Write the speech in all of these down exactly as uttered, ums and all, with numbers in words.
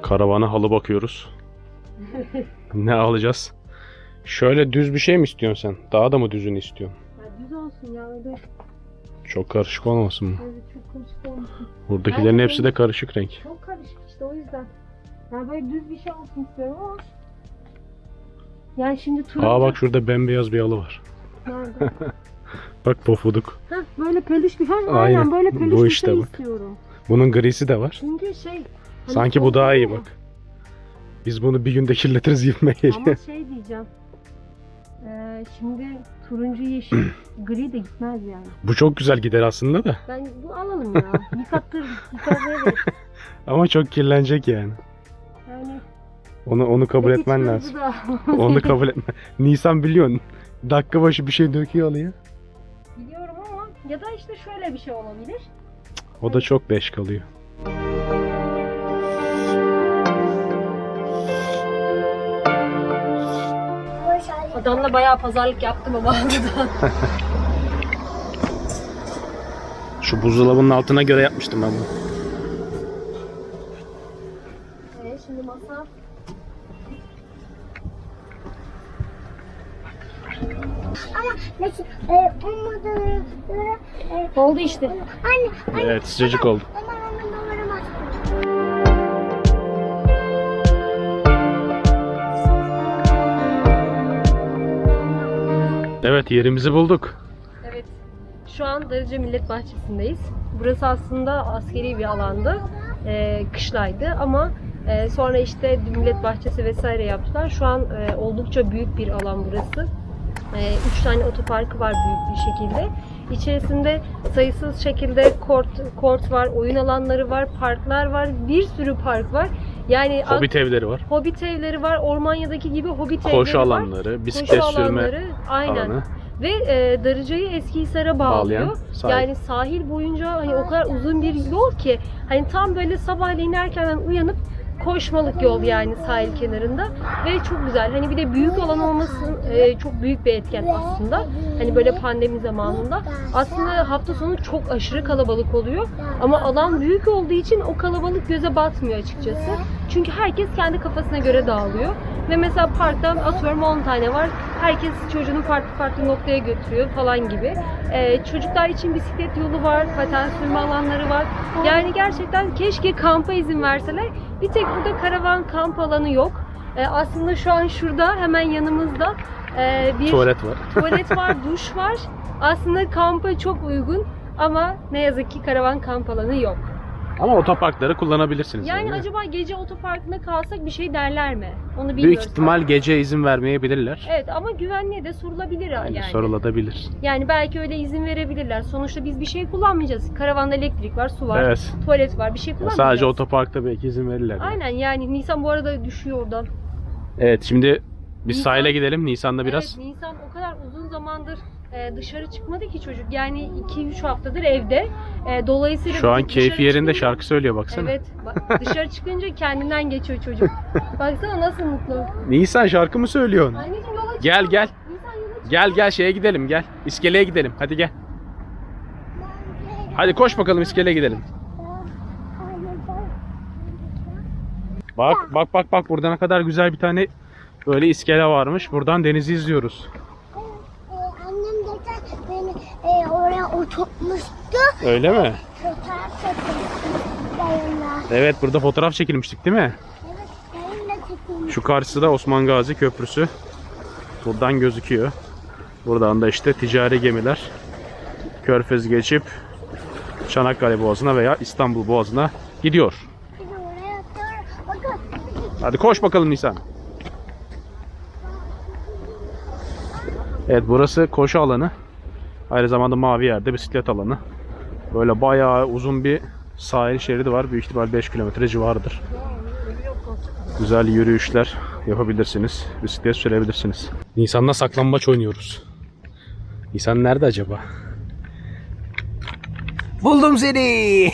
Karavana halı bakıyoruz. Ne alacağız? Şöyle düz bir şey mi istiyorsun sen? Daha da mı düzünü istiyorsun? Ya düz olsun ya öyle. Çok karışık olmasın mı? Evet çok karışık olmasın. Buradakilerin Ben- hepsi de karışık renk. Çok karışık işte o yüzden. Yani böyle düz bir şey olsun istiyorum ama. Yani şimdi turuncu. Aa bak şurada bembeyaz bir halı var. Nerede? Bak pofuduk. Heh, böyle peluş bir, ha, aynen, Aynen, böyle peluş bu bir işte şey bak. istiyorum. Bunun grisi de var. Çünkü şey. hani Sanki bu daha iyi soğuk bak. Biz bunu bir günde kirletiriz gibime ama geliyor. şey diyeceğim. Ee, şimdi turuncu yeşil gri de gitmez yani. Bu çok güzel gider aslında da. Ben bu alalım ya. Yıkattır, yıkatmaya gerek. Ama çok kirlenecek yani. Yani Onu onu kabul peki etmen turuncu lazım. da- Onu kabul etme. Nisan biliyorsun. Dakika başı bir şey döküyor halıya. Biliyorum ama ya da işte şöyle bir şey olabilir. O da çok beş kalıyor. Adamla bayağı pazarlık yaptım ama burada. Şu buzdolabının altına göre yapmıştım ben bunu. Evet şimdi masa. Ama mesela e, olmadığına göre e, Oldu işte. anne, anne Evet sıcacık oldu. aman aman numaramaz. Evet yerimizi bulduk. Evet. Şu an Darıca Millet Bahçesi'ndeyiz. Burası aslında askeri bir alandı. Ee, kışlaydı ama e, sonra işte Millet Bahçesi vesaire yaptılar. Şu an e, oldukça büyük bir alan burası. E, üç tane otoparkı var büyük bir şekilde. İçerisinde sayısız şekilde kort, kort var, oyun alanları var, parklar var, bir sürü park var. Yani Hobbit evleri var. Hobbit evleri var, Ormanya'daki gibi Hobbit evleri Koşu var. alanları, bisiklet Koşu sürme alanları, aynen. alanı. Ve e, Darıca'yı Eskihisar'a bağlıyor. Bağlayan sahil. Yani sahil boyunca hani o kadar uzun bir yol ki hani tam böyle sabahleyin erkenden uyanıp koşmalık yol yani sahil kenarında ve çok güzel. Hani bir de büyük alan olması e, çok büyük bir etken aslında. Hani böyle pandemi zamanında aslında hafta sonu çok aşırı kalabalık oluyor. Ama alan büyük olduğu için o kalabalık göze batmıyor açıkçası. Çünkü herkes kendi kafasına göre dağılıyor. Ve mesela parktan atıyorum on tane var. Herkes çocuğunu farklı farklı noktaya götürüyor falan gibi. Ee, çocuklar için bisiklet yolu var, paten sürme alanları var. Yani gerçekten keşke kampa izin verseler. Bir tek burada karavan kamp alanı yok. Ee, aslında şu an şurada hemen yanımızda e, bir Tuvalet var. tuvalet var, duş var. Aslında kampa çok uygun ama ne yazık ki karavan kamp alanı yok. Ama otoparkları kullanabilirsiniz. Yani yani. acaba gece otoparkında kalsak bir şey derler mi? Onu bilmiyoruz. Büyük ihtimal gece izin vermeyebilirler. Evet ama güvenliğe de sorulabilir yani. Yani sorulabilir. Yani belki öyle izin verebilirler. Sonuçta biz bir şey kullanmayacağız. Karavanda elektrik var, su var, Evet. tuvalet var. Bir şey Ya kullanmayacağız. sadece otoparkta belki izin verirler. yani. Aynen yani Nisan bu arada düşüyor oradan. Evet şimdi biz Nisan- sahile gidelim. Nisan'da biraz. Evet Nisan o kadar uzun zamandır e, dışarı çıkmadı ki çocuk. Yani iki üç haftadır evde. E, dolayısıyla Şu an biz keyfi dışarı yerinde çıkınca- şarkı söylüyor baksana. Evet. Bak, dışarı çıkınca kendinden geçiyor çocuk. Baksana nasıl mutlu. Nisan şarkı mı söylüyorsun? Anneciğim yola çık. Gel gel. Nisan yola çık. Gel gel şeye gidelim gel. İskeleye gidelim. Hadi gel. Hadi koş bakalım iskeleye gidelim. Bak bak bak bak burada ne kadar güzel bir tane böyle iskele varmış. Buradan denizi izliyoruz. E, annem geçen beni e, oraya oturtmuştu. Öyle mi? Fotoğraf çekilmiştik dayımla. Evet burada fotoğraf çekilmiştik değil mi? Evet dayımla çekilmiş. Şu karşısı da Osman Gazi Köprüsü. Buradan gözüküyor. Buradan da işte ticari gemiler Körfez geçip Çanakkale Boğazı'na veya İstanbul Boğazı'na gidiyor. Biz oraya atıyoruz. Bakın. Hadi koş bakalım Nisan. Evet burası koşu alanı. Aynı zamanda mavi yerde bisiklet alanı. Böyle bayağı uzun bir sahil şeridi var. Büyük ihtimal beş kilometre civarıdır. Güzel yürüyüşler yapabilirsiniz. Bisiklet sürebilirsiniz. Nisan'la saklambaç oynuyoruz. Nisan nerede acaba? Buldum seni.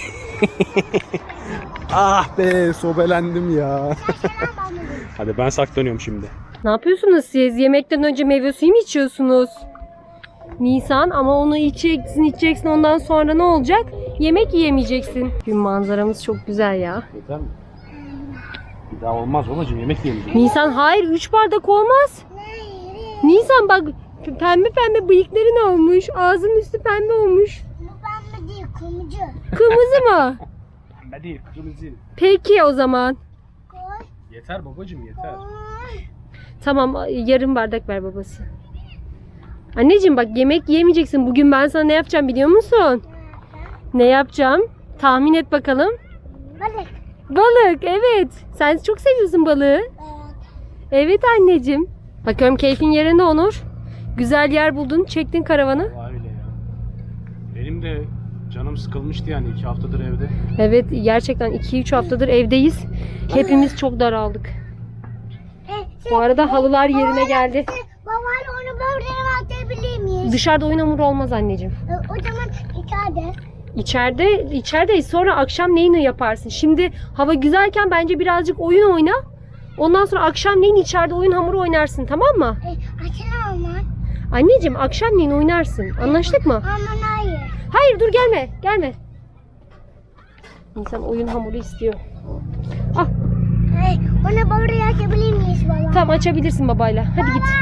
Ah be sobelendim ya. Hadi ben saklanıyorum şimdi. Ne yapıyorsunuz siz? Yemekten önce meyve suyu mu içiyorsunuz? Nisan ama onu içeceksin içeceksin ondan sonra ne olacak? Yemek yiyemeyeceksin. Gün manzaramız çok güzel ya. Yeter mi? Daha olmaz babacığım, yemek yiyeceğiz. Nisan hayır üç bardak olmaz. Nisan bak p- pembe pembe bıyıkların olmuş. Ağzının üstü pembe olmuş. Bu pembe değil, kırmızı. Kırmızı mı? Pembe değil, kırmızı. Peki o zaman. Koy, Yeter babacığım, yeter. koy. Tamam yarım bardak ver babası. Anneciğim bak yemek yemeyeceksin. Bugün ben sana ne yapacağım biliyor musun? Ne yapacağım? Tahmin et bakalım. Balık. Balık evet. Sen çok seviyorsun balığı. Evet. Evet anneciğim. Bakıyorum keyfin yerinde Onur. Güzel yer buldun. Çektin karavanı. Vallahi öyle ya. Benim de canım sıkılmıştı yani iki haftadır evde. Evet gerçekten iki üç haftadır evdeyiz. Hepimiz çok daraldık. E, şey, Bu arada halılar yerine geldi. babayla onu böyle atabilir miyiz? Dışarıda oyun hamuru olmaz anneciğim. E, o zaman içeride. İçeride, içerideyiz. Sonra akşam neyini yaparsın? Şimdi hava güzelken bence birazcık oyun oyna. Ondan sonra akşamleyin içeride oyun hamuru oynarsın, tamam mı? E, açın ama. Anneciğim akşamleyin oynarsın. Anlaştık mı? Aman hayır. Hayır dur gelme, gelme. İnsan oyun hamuru istiyor. Ah, E, onu böyle atabilir miyiz baba? tamam açabilirsin babayla. Hadi git.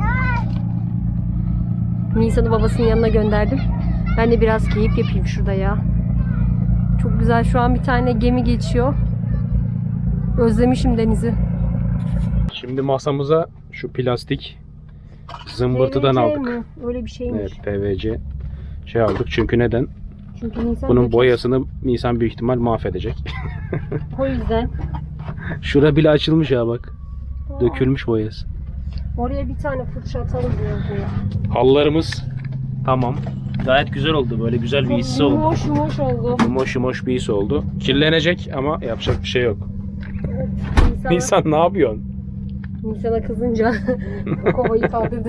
Nisan'ı babasının yanına gönderdim. Ben de biraz keyif yapayım şurada ya. Çok güzel, şu an bir tane gemi geçiyor. Özlemişim denizi. Şimdi masamıza şu plastik zımbırtıdan P V C aldık. mi? Öyle bir şeymiş. Evet, P V C şey aldık çünkü neden? Çünkü Nisan Bunun dökecek. boyasını Nisan büyük ihtimal mahvedecek. O yüzden. Şura bile açılmış ya bak. Dökülmüş boyası. Oraya bir tane fırça atalım diyor. Halılarımız tamam. Gayet güzel oldu. Böyle güzel bir hissi oldu. Yumuş yumuş oldu. Yumuş yumuş bir his oldu. Kirlenecek ama yapacak bir şey yok. Nisan'a, Nisan ne yapıyorsun? Nisan'a kızınca kovayı kaldırdı.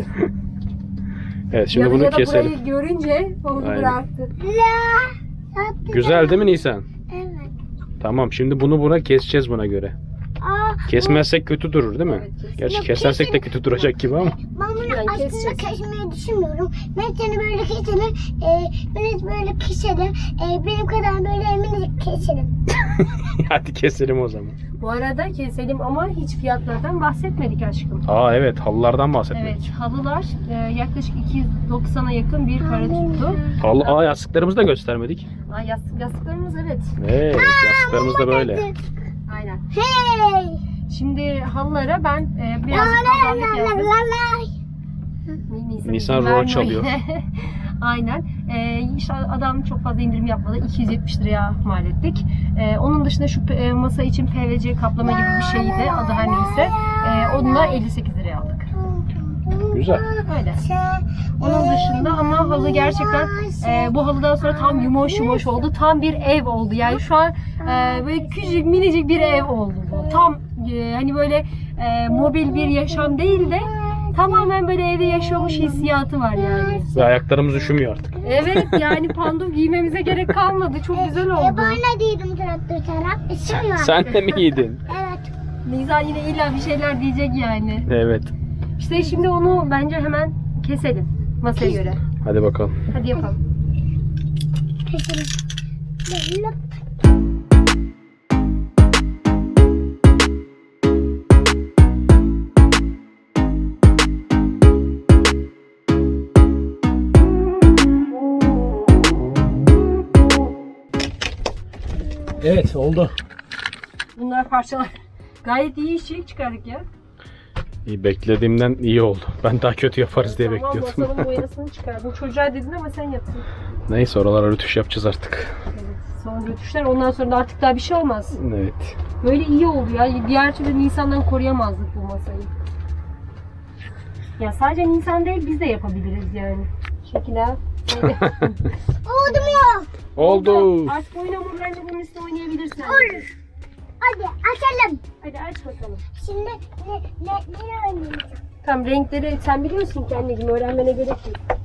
Evet şimdi ya, bunu ya da keselim. burayı görünce onu Aynen. bıraktı. La. Güzel değil mi Nisan? Evet. Tamam şimdi bunu buna keseceğiz buna göre. Aa, Kesmezsek kötü durur değil mi? Evet, kesin. Gerçi Yok, kesersek de kesin. kötü duracak gibi ama. ben bunu Yani aslında keseceğiz. kesmeyi düşünmüyorum. Ben seni böyle keselim. E, beni böyle keselim. E, benim kadar böyle minicik keselim. Hadi keselim o zaman. Bu arada keselim ama hiç fiyatlardan bahsetmedik aşkım. Aa evet halılardan bahsetmek. Evet, halılar e, yaklaşık iki yüz doksana yakın bir para tuttu. Halı, aa yastıklarımızı da göstermedik. Aa, yastık, yastıklarımız evet. Evet yastıklarımız da böyle. Aynen. Hey. Şimdi halılara ben e, La biraz la pazarlık la la yaptım. la. Nisan, Nisan izin rol vermiyor. çalıyor. Aynen. Ee, işte adam çok fazla indirim yapmadı. iki yüz yetmiş liraya mal ettik. Ee, onun dışında şu e, masa için P V C kaplama gibi bir şeydi. Adı her neyse. Ee, onu da elli sekiz liraya aldık. Güzel. Öyle. Onun dışında ama halı gerçekten e, bu halıdan sonra tam yumuş yumuş oldu. Tam bir ev oldu. Yani şu an e, böyle küçük minicik bir ev oldu bu. Tam e, hani böyle e, mobil bir yaşam değil de tamamen böyle evde yaşıyormuş hissiyatı var yani. Ve ayaklarımız üşümüyor artık. Evet yani pando giymemize gerek kalmadı. Çok güzel E, oldu. ben ne dedim traktör taraf? Isınıyor. Sen de mi giydin? Evet. Nisan yine illa bir şeyler diyecek yani. Evet. İşte şimdi onu bence hemen keselim masaya göre. Hadi bakalım. Hadi yapalım. Keselim. Böyle. Evet oldu. Bunlar parçalar. Gayet iyi işçilik çıkardık ya. İyi, beklediğimden iyi oldu. Ben daha kötü yaparız diye Tamam, bekliyordum. masanın boyasını çıkardım. Çocuğa dedin ama sen yaptın. Neyse oralara rötuş yapacağız artık. Evet. Sonra götüşler ondan sonra da artık daha bir şey olmaz. Evet. Böyle iyi oldu ya. Diğer türlü Nisan'dan koruyamazdık bu masayı. Ya sadece Nisan değil biz de yapabiliriz yani. Şekilde. Oldu mu? Oldu. Artık oyun hamurlarıyla bunun üstüne oynayabilirsin. Olur. Hadi açalım. Hadi aç bakalım. Şimdi ne ne ne oynayacağım? Tamam renkleri sen biliyorsun ki anneciğim öğrenmene gerek yok.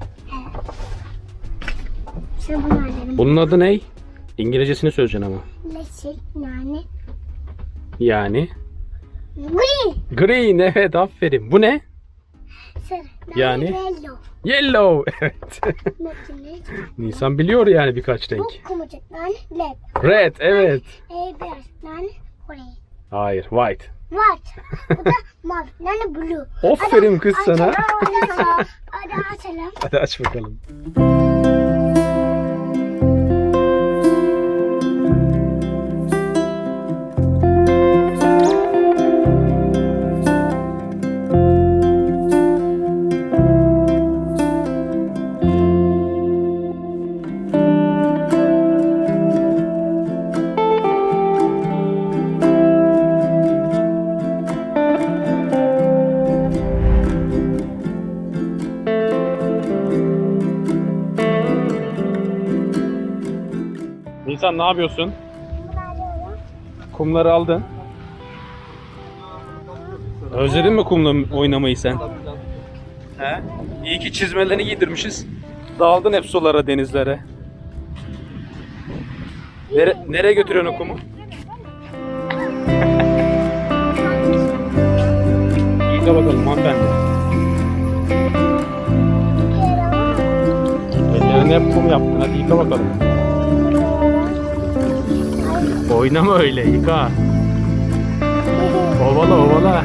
Sen bunu oynayalım. Bunun adı ne? İngilizcesini söyleyeceksin ama. Yeşil, nane, Yani. green, Green evet aferin. Bu ne? sarı, nane, Yani? yellow. Yellow evet. Mesela Nisan biliyor yani birkaç bu renk. kırmızı, nane, red, Red evet. e, beyaz, nane, grey. Hayır white. White. Bu da mavi. Yani blue. Aferin kız sana. Hadi açalım. Hadi açalım. Hadi aç bakalım. Nisan ne yapıyorsun? Kumları aldın. Özledin mi kumla oynamayı sen? He? İyi ki çizmelerini giydirmişiz. Daldın hep sulara, denizlere. Nere, nereye götürüyorsun o kumu? Yıka bakalım hanımefendi. Ellerine hep kum yaptın. Hadi yıka bakalım. Oynama öyle, yıka. Ovala ovala.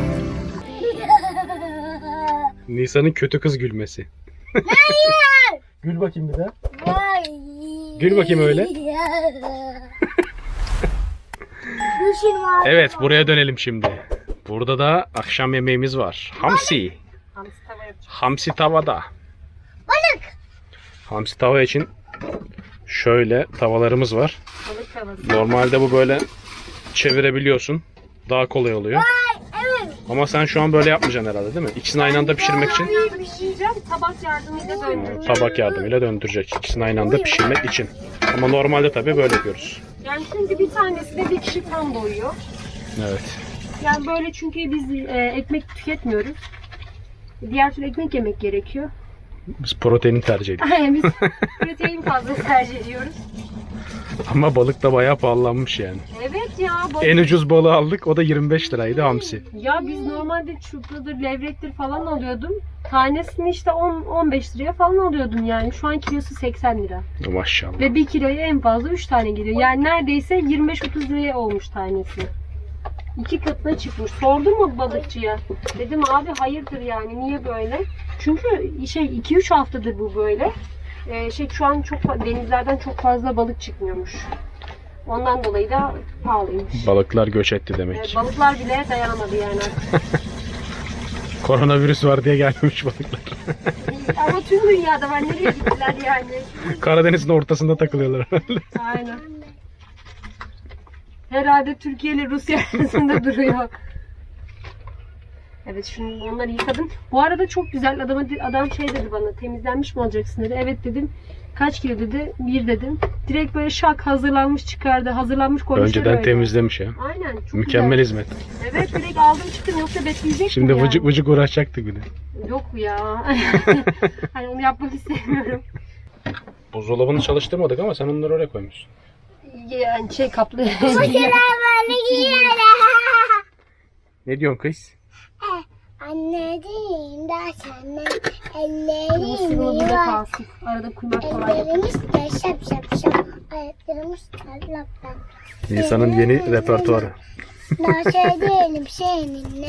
Nisan'ın kötü kız gülmesi. Hayır. Gül bakayım bir daha. Vay. Gül bakayım öyle. Düşün var. Evet, buraya dönelim şimdi. Burada da akşam yemeğimiz var. Hamsi. Hamsi tava yapacağım. Hamsi tavada. Balık. Hamsi tava için şöyle tavalarımız var. Balık tavası. Normalde bu böyle çevirebiliyorsun. Daha kolay oluyor. Vay. Evet. Ama sen şu an böyle yapmayacaksın herhalde değil mi? İkisini aynı anda pişirmek için Bir pişireceğim. Tabak yardımıyla döndüreceğim. tabak yardımıyla döndürecek. İkisini aynı anda pişirmek için. Ama normalde tabii böyle yapıyoruz. Yani çünkü bir tanesi de bir kişi tam doyuyor. Evet. Yani böyle çünkü biz e, ekmek tüketmiyoruz. Diğer türlü ekmek yemek gerekiyor. Biz proteini tercih ediyoruz. Aynen biz protein fazla tercih ediyoruz. Ama balık da bayağı pahalanmış yani. Evet ya. Balık... En ucuz balığı aldık. O da yirmi beş liraydı hamsi. Ya biz normalde çupradır, levrektir falan alıyordum. Tanesini işte on on beş liraya falan alıyordum yani. Şu an kilosu seksen lira. Maşallah. Ve bir kiloya en fazla üç tane geliyor. Yani neredeyse yirmi beş otuz liraya olmuş tanesi. İki katına çıkmış. Sordum mu balıkçıya? Dedim abi hayırdır yani niye böyle? Çünkü şey iki üç haftadır bu böyle. Ee, şey şu an çok fa- denizlerden çok fazla balık çıkmıyormuş. Ondan dolayı da pahalıymış. Balıklar göç etti Ee, demek. balıklar bile dayanamadı yani artık. Koronavirüs var diye gelmemiş balıklar. Ama tüm dünyada var. Nereye gittiler yani? Karadeniz'in ortasında takılıyorlar herhalde. Aynen. Herhalde Türkiye ile Rusya arasında duruyor. Evet şimdi onları yıkadım. Bu arada çok güzel. Adam, adam şey dedi bana, temizlenmiş mi olacaksın dedi. Evet dedim. Kaç kilo dedi. Bir dedim. Direkt böyle şak hazırlanmış çıkardı. Hazırlanmış koymuşlar Önceden öyle. temizlemiş ya. Aynen. Çok Mükemmel güzel. hizmet. Evet direkt aldım çıktım yoksa bekleyecek Şimdi mi vıcık vıcık uğraşacaktık bir de. Yok ya. Hani onu yapmak istemiyorum. Buzdolabını çalıştırmadık ama sen onları oraya koymuşsun. Yani şey kaplı. Böyle giyiyorlar. Ne diyorsun kız? Anneciğim de senden Bu sivri ellerim burada var. kalsın. Arada kuymak falan yapalım. Ellerimiz de şap şap şap. Ayaklarımız tarlap tarlap. Nisan'ın yeni repertuarı. Nasıl edelim seninle?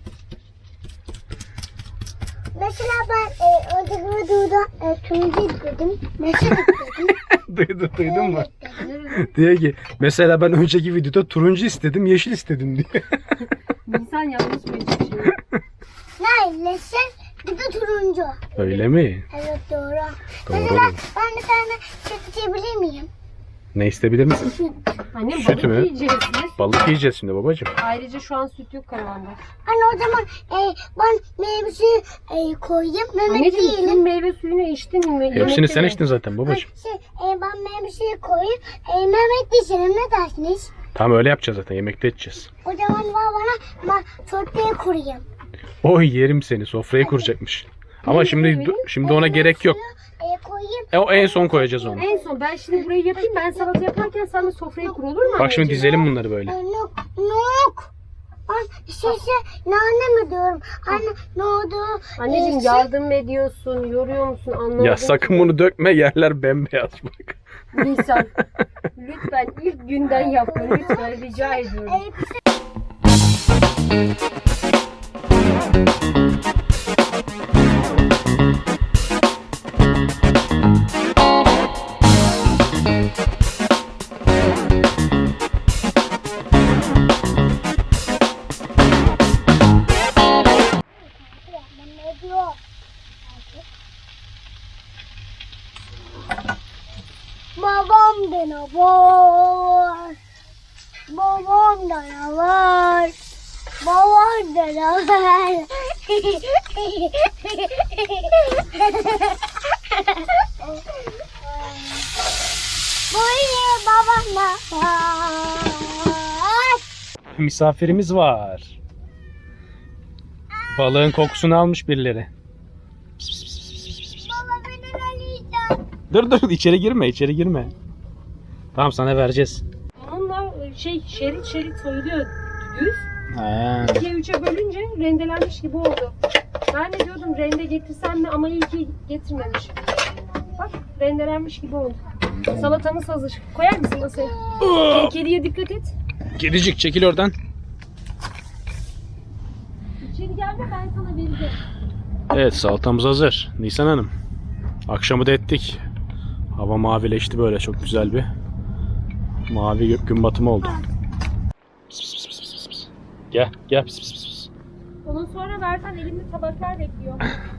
Mesela ben e, önceki videoda e, turuncu istedim. Nasıl istedim? Duydun, duydun mu? Evet. Diye ki mesela ben önceki videoda turuncu istedim, yeşil istedim diye. Nisan yanlış mı şimdi? Neredesin? Bir de turuncu. Öyle mi? Evet doğru. Doğru. Mesela ben bir tane süt içebilir miyim? Ne istebilir misin? Annem Süt balık mü? yiyeceğiz biz. Balık yiyeceğiz şimdi babacığım. Ayrıca şu an süt yok karavanda. Anne o zaman e, ben meyve suyu e, koyayım. Mehmet Anneciğim tüm yiyelim. meyve suyunu içtin mi? Hepsini Yemekte sen mi? içtin zaten babacığım. Şey, e, ben meyve suyu koyayım. E, Mehmet yiyelim ne dersiniz? Tamam öyle yapacağız zaten, yemekte içeceğiz. O zaman var bana ben sofraya kurayım. Oy yerim seni, sofrayı kuracakmış. Ama şimdi şimdi ona gerek yok. E, koyayım. E, o en son koyacağız onu. En son ben şimdi burayı yapayım. Ben salata yaparken sen de sofrayı kur olur mu? Bak şimdi anneciğim? dizelim bunları böyle. E, nok, nok. Ben şey şey nane mi diyorum? Anne ne oldu? Anneciğim E, şey- yardım mı ediyorsun? Yoruyor musun? Anlamadım. Ya sakın bunu dökme, yerler bembeyaz bak. Nisan. Lütfen ilk günden yapma. Lütfen rica ediyorum. E, Babam da ne var? Babam da ne var? Babam da ne var? Böyle babam da var. Misafirimiz var. Balığın kokusunu almış birileri. Baba beni arayacak. Dur dur içeri girme içeri girme. Tamam sana vereceğiz. Onunla şey şerit şerit soyuluyor düz. He. ikiye üçe bölünce rendelenmiş gibi oldu. Ben de diyordum rende getirsem mi ama iyi ki getirmemiş. Bak rendelenmiş gibi oldu. Salatamız hazır. Koyar mısın masaya? Ke- Kediye dikkat et. Kedicik çekil oradan. İçeri gelme ben sana vereceğim. Evet salatamız hazır. Nisan Hanım. Akşamı da ettik. Hava mavileşti böyle çok güzel bir mavi gök gün batımı oldu. Pıs pıs pıs pıs pıs pıs. Gel gel pıs pıs pıs pıs. Ondan sonra versen elimde tabaklar bekliyor.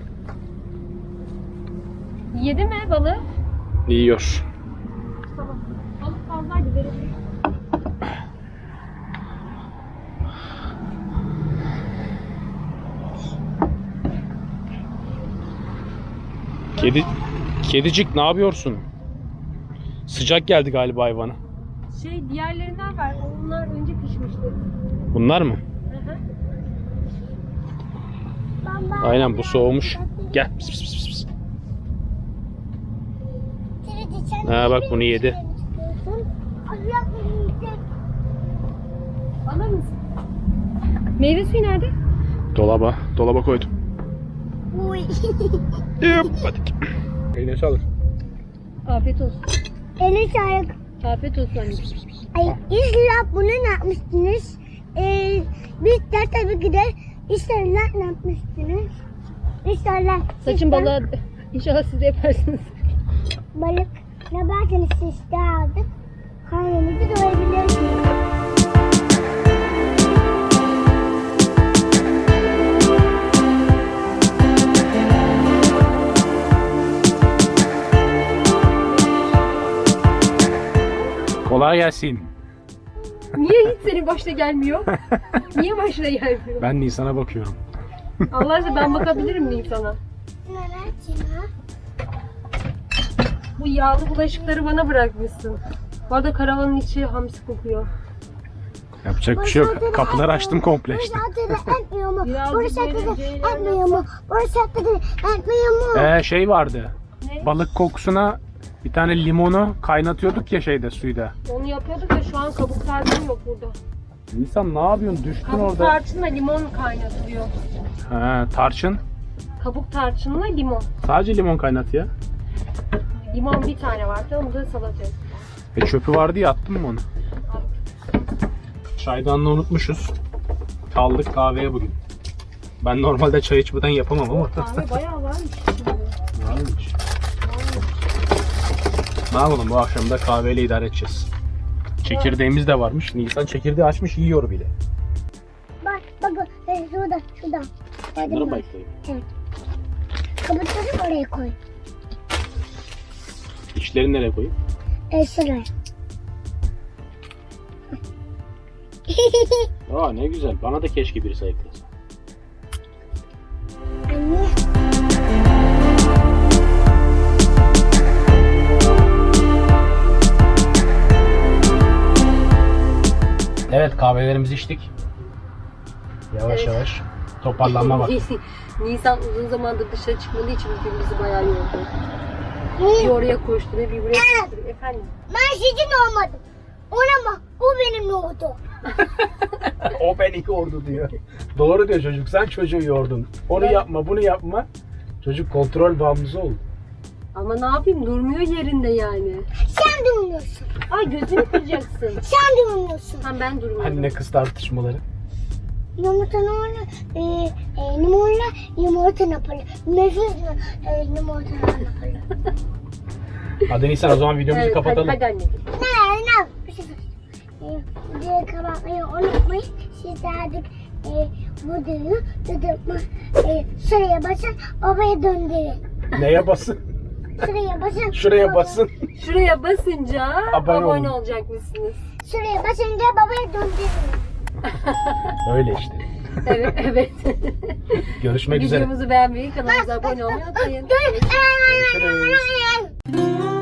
Yedi mi balığı? Yiyor. Tamam. Balık fazlaydı verelim. Kedi Kedicik ne yapıyorsun? Sıcak geldi galiba hayvana. Şey diğerlerinden ver. Onlar önce pişmişti. Bunlar mı? Hı hı. Baba. Aynen bu soğumuş. Gel. Pıs pıs pıs pıs. Ha, bak bunu yedi. Alır mısın? Meyve suyu nerede? Dolaba. Dolaba koydum. Uy. Hadi. Eline sağlık. Afiyet olsun. Eli sağlık. Afiyet olsun anneciğim. Ay, İslam bunu ne yapmıştınız? Ee, biz de tabii ki de İslam'la ne yapmıştınız? İslam'la. Saçın balığı inşallah siz de yaparsınız. Balık ne yaparsanız siz de aldık. Karnımızı doyurabiliyorsunuz. Kolay gelsin. Niye hiç senin başta gelmiyor? Niye başta gelmiyor? Ben Nisan'a bakıyorum. Allah aşkına ben bakabilirim miyim sana? Bu yağlı bulaşıkları bana bırakmışsın. Bu arada karavanın içi hamsi kokuyor. Yapacak bir şey yok. Kapıları açtım komple işte. Burası da etmiyor mu? Birazcık Burası da böyle ceylan etmiyor mu? Burası da etmiyor mu? Ee, şey vardı. Ne? Balık kokusuna bir tane limonu kaynatıyorduk ya şeyde suyda. Onu yapıyorduk da şu an kabuk tarçın yok burada. Nisan ne yapıyorsun? Düştün Kabuk orada. tarçınla limon kaynatılıyor. Ha, tarçın. Kabuk tarçınla limon. Sadece limon kaynat ya. Limon bir tane vardı, onu da salataya. E çöpü vardı ya attın mı onu? Çaydanlığı unutmuşuz. Kaldık kahveye bugün. Ben normalde çay içmeden yapamam ama. Kahve bayağı varmış şimdi. Varmış. Ne yapalım bu akşam da kahveyle idare edeceğiz. Çekirdeğimiz de varmış. Nisan çekirdeği açmış yiyor bile. Bak bak bak şurada şurada. Bunları Gördün mü? bayıklayayım. Evet. Kabukları oraya koy. İçlerini nereye koyayım? E şuraya. Aa ne güzel. Bana da keşke birisi ayıklasa. Anne. Evet kahvelerimizi içtik. Yavaş Evet. yavaş toparlanma var. Nisan uzun zamandır dışarı çıkmadığı için bugün bizi bayağı yordu. Bir oraya koşturuyor, bir buraya koşturuyor. Efendim? Ben sizin olmadım. Ona bak. O benim oldu. O beni yordu diyor. Doğru diyor çocuk. Sen çocuğu yordun. Onu Evet. yapma, bunu yapma. Çocuk kontrol bağımlısı oldu. Ama ne yapayım? Durmuyor yerinde yani. Sen de uymuyorsun. Ay gözünü kıracaksın. Sen de uymuyorsun. Tamam ben durmuyorum. Anne kız tartışmaları. yumurta orada e, e, limonla yumurta yaparlar. Nefis e, yumurta yaparlar. Hadi Nisan o zaman videomuzu Evet, kapatalım. Hadi, hadi anneciğim. Ne ne? Bir şey söyleyeyim. E, videoyu kapatmayı unutmayın. Siz de artık e, bu videoyu tutma. E, şuraya basın, babaya döndürün. Neye basın? Şuraya basın. Şuraya baba- basın. Şuraya basınca Abone abone, olun. olacak mısınız? Şuraya basınca babaya döndürün. Öyle işte. Evet, evet. Görüşmek üzere. Videomuzu beğenmeyi, kanalımıza abone olmayı unutmayın. Dur. Görüşürüz.